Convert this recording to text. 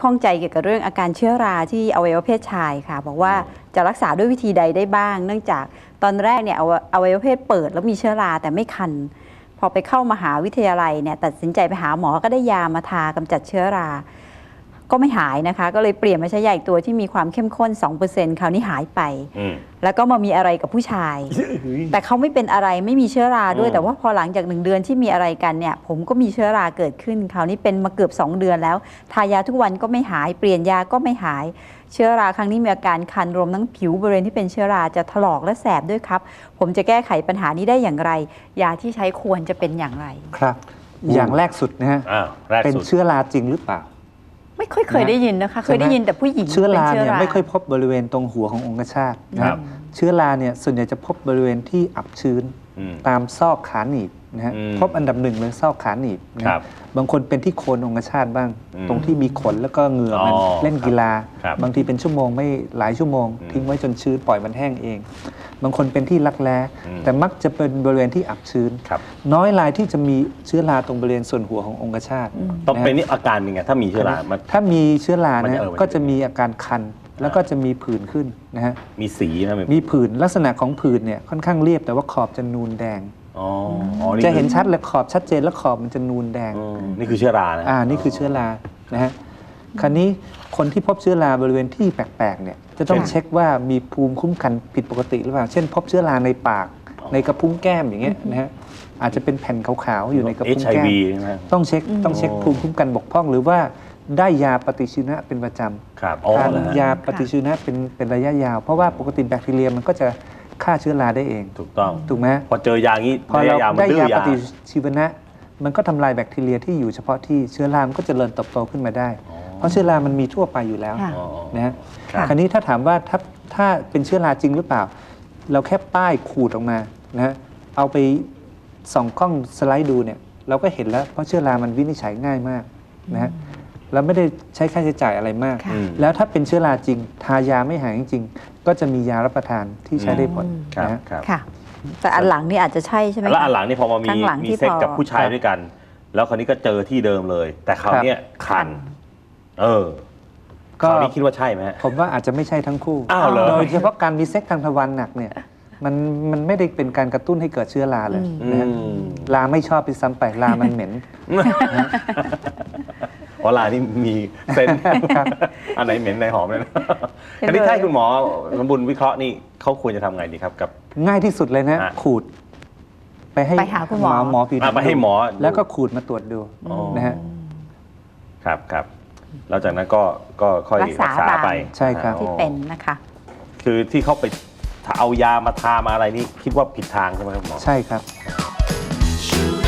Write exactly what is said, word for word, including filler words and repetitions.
ข้องใจเกี่ยวกับเรื่องอาการเชื้อราที่อวัยวะเพศชายค่ะบอกว่าจะรักษาด้วยวิธีใดได้บ้าง เนื่องจากตอนแรกเนี่ยอวัยวะเพศเปิดแล้วมีเชื้อราแต่ไม่คันพอไปเข้ามหาวิทยาลัยเนี่ยตัดสินใจไปหาหมอก็ได้ยามาทากำจัดเชื้อราก็ไม่หายนะคะก็เลยเปลี่ยนมาใช้ยาอีกตัวที่มีความเข้มข้น สองเปอร์เซ็นต์ คราวนี้หายไปแล้วก็มามีอะไรกับผู้ชาย แต่เขาไม่เป็นอะไรไม่มีเชื้อราด้วยแต่ว่าพอหลังจากหนึ่งเดือนที่มีอะไรกันเนี่ยผมก็มีเชื้อราเกิดขึ้นคราวนี้เป็นมาเกือบสองเดือนแล้วทายาทุกวันก็ไม่หายเปลี่ยนยาก็ไม่หายเชื้อราครั้งนี้มีอาการคันรวมทั้งผิวบริเวณที่เป็นเชื้อราจะถลอกและแสบด้วยครับผมจะแก้ไขปัญหานี้ได้อย่างไรยาที่ใช้ควรจะเป็นอย่างไรครับอย่างแรกสุดนะฮะเป็นเชื้อราจริงหรือเปล่าไม่ค่อยเคยได้ยินนะคะเคยได้ยินแต่ผู้หญิงเชื้อราเนี่ยไม่ค่อยพบบริเวณตรงหัวขององคชาตนะครับเชื้อราเนี่ยส่วนใหญ่จะพบบริเวณที่อับชื้นตามซอกขาหนีบนะฮะพบอันดับหนึ่งเลยซอกขาหนีบนะบางคนเป็นที่โคนองคชาตบ้างตรงที่มีขนแล้วก็เหงื่อมันเล่นกีฬาบางทีเป็นชั่วโมงไม่หลายชั่วโมงทิ้งไว้จนชื้นปล่อยมันแห้งเองบางคนเป็นที่รักแร้แต่มักจะเป็นบริเวณที่อับชื้นน้อยรายที่จะมีเชื้อราตรงบริเวณส่วนหัวขององคชาตต้องเป็นนี่อาการยังไงถ้ามีเชื้อราถ้ามีเชื้อราเนี่ยก็จะมีอาการคันแล้วก็จะมีผื่นขึ้นนะฮะมีสีนะมีผื่นลักษณะของผื่นเนี่ยค่อนข้างเรียบแต่ว่าขอบจะนูนแดงจะเห็นชัดเลยขอบชัดเจนแล้วขอบมันจะนูนแดงนี่คือเชื้อรานะอ่านี่คือเชื้อรานะฮะคราวนี้คนที่พบเชื้อราบริเวณที่แปลกๆเนี่ยจะต้องเช็คว่ามีภูมิคุ้มกันผิดปกติหรือเปล่าเช่นพบเชื้อราในปากในกระพุ้งแก้มอย่างเงี้ยนะฮะอาจจะเป็นแผ่นขาวๆอยู่ในกระพุ้งแก้มต้องเช็คต้องเช็คภูมิคุ้มกันบกพร่องหรือว่าได้ยาปฏิชีวนะเป็นประจำทานยาปฏิชีวนะเป็นเป็นระยะยาวเพราะว่าปกติแบคทีเรียมันก็จะฆ่าเชื้อราได้เองถูกต้องถูกไหมพอเจอยางี้พอเราได้ยาปฏิชีวนะมันก็ทำลายแบคทีเรียที่อยู่เฉพาะที่เชื้อรามันก็จเจริญเติบโตขึ้นมาได้เพราะเชื้อรามันมีทั่วไปอยู่แล้วนะฮะคราวนี้ถ้าถามว่าถ้าถ้าเป็นเชื้อราจริงหรือเปล่าเราแค่ป้ายขูดออกมานะฮะเอาไปส่องกล้องสไลด์ดูเนี่ยเราก็เห็นแล้วเพราะเชื้อรามันวินิจฉัยง่ายมากนะฮะแล้วไม่ได้ใช้ค่าใช้จ่ายอะไรมากแล้วถ้าเป็นเชื้อราจริงทายาไม่หายจริงๆก็จะมียารับประทานที่ใช้ได้ผลนะค่ะแต่อันหลังนี่อาจจะใช่ใช่ไหมแล้วอันหลังนี่พอมามีมีเซ็กกับผู้ชายด้วยกันแล้วคราวนี้ก็เจอที่เดิมเลยแต่คราวนี้คันเออคราวนี้คิดว่าใช่ไหมผมว่าอาจจะไม่ใช่ทั้งคู่โดยเฉพาะการมีเซ็กทางทวารหนักเนี่ยมันมันไม่ได้เป็นการกระตุ้นให้เกิดเชื้อราเลยนะราไม่ชอบไปซ้ำไปรามันเหม็นเพราะรานี่มีเซนอันไหนเหม็นไหนหอมเลยนะคราวนี้ถ้าคุณหมอสมบูรณ์วิเคราะห์นี่เขาควรจะทำไงดีครับกับง่ายที่สุดเลยนะขูดไปให้ไปหาคุณหมอหมอผิวหนังไปให้หมอแล้วก็ขูดมาตรวจดูนะฮะครับครับแล้วจากนั้นก็ก็ค่อยรักษาไปใช่ครับที่เป็นนะคะคือที่เขาไปเอายามาทามาอะไรนี่คิดว่าผิดทางใช่ไหมครับหมอใช่ครับ